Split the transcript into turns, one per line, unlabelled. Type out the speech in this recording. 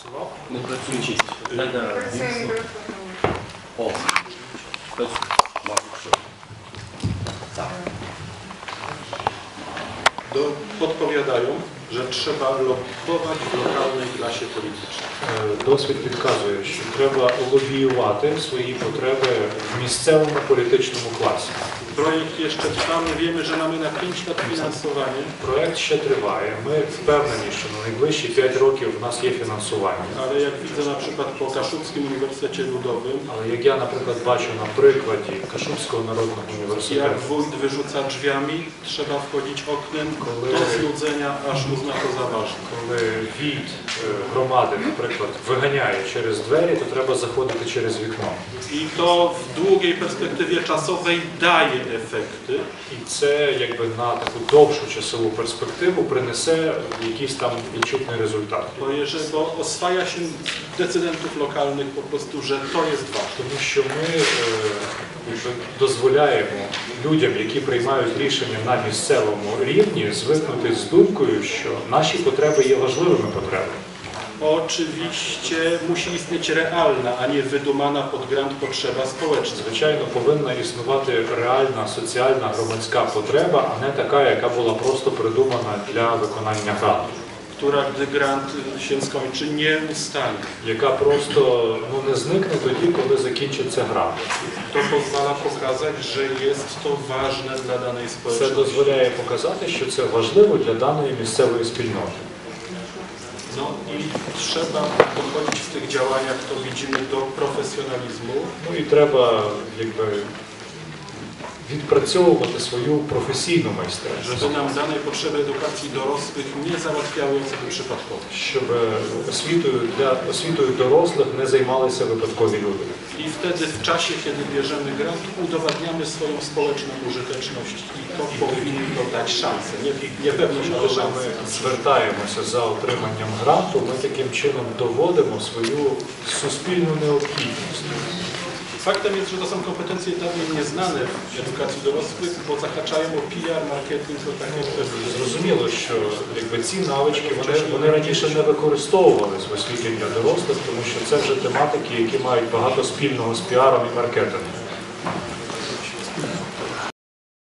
Не включить. О,
Podpowiadają, że trzeba lobbować w lokalnej klasie politycznej.
Досвід підказує, що треба лобіювати свої потреби в місцевому політичному класі.
Projekt jeszcze trwa, my wiemy, że mamy na 5 lat finansowanie.
Проект ще триває. Ми впевнені, що на найближчі 5 років в нас є фінансування.
Ale jak widzę na przykład po Kaszubskim Uniwersytecie Ludowym,
Але як я, наприклад, бачу на прикладі Кашубського народного
jak
університету,
wójt wyrzuca drzwiami, trzeba wchodzić oknem do znudzenia, aż uzna to za ważne.
коли від громади, наприклад, виганяє через двері, то треба заходити через вікно.
I to w długiej perspektywie czasowej daje efekty.
І це якби на таку довшу часову перспективу принесе якийсь там відчутний результат.
Bo oswaja się decydentów lokalnych po prostu, że to jest ważne.
Тому що ми якби дозволяємо людям, які приймають рішення на місцевому рівні, звикнути з думкою, що наші потреби є важливими потребами.
Oczywiście musi istnieć realna, a nie wydumana pod grant potrzeba społeczna.
Звичайно, повинна існувати реальна соціальна громадська потреба, а не така, яка була просто придумана для виконання гранту.
Która, gdy grant się skończy, nie ustanie.
Яка просто не зникне тоді, коли закінчиться грант.
To pozwala pokazać, że jest to ważne dla danej
Це
społeczności.
дозволяє показати, що це важливо для даної місцевої спільноти.
No i trzeba podchodzić w tych działaniach, to widzimy, do profesjonalizmu.
Ну і треба якби відпрацьовувати свою професійну майстерність,
Żeby nam dane potrzeby edukacji dorosłych nie załatwiały osoby przypadkowe.
щоб освітою дорослих не займалися випадкові люди.
I wtedy w czasie, kiedy bierzemy grant, udowadniamy swoją społeczną użyteczność i to powinno dać szansę. Nie pewność, ale
Коли
szansę.
ми звертаємося за отриманням гранту, ми таким чином доводимо свою суспільну необхідність.
Faktem jest, że to są kompetencje dawniej nieznane w edukacji dorosłych, bo zahaczają o PR, marketing, o takie kwestie.
Зрозуміло, що якби ці навички вони раніше не використовувалися в освіті для дорослих, тому що це вже тематики, які мають багато спільного з піаром і маркетингом.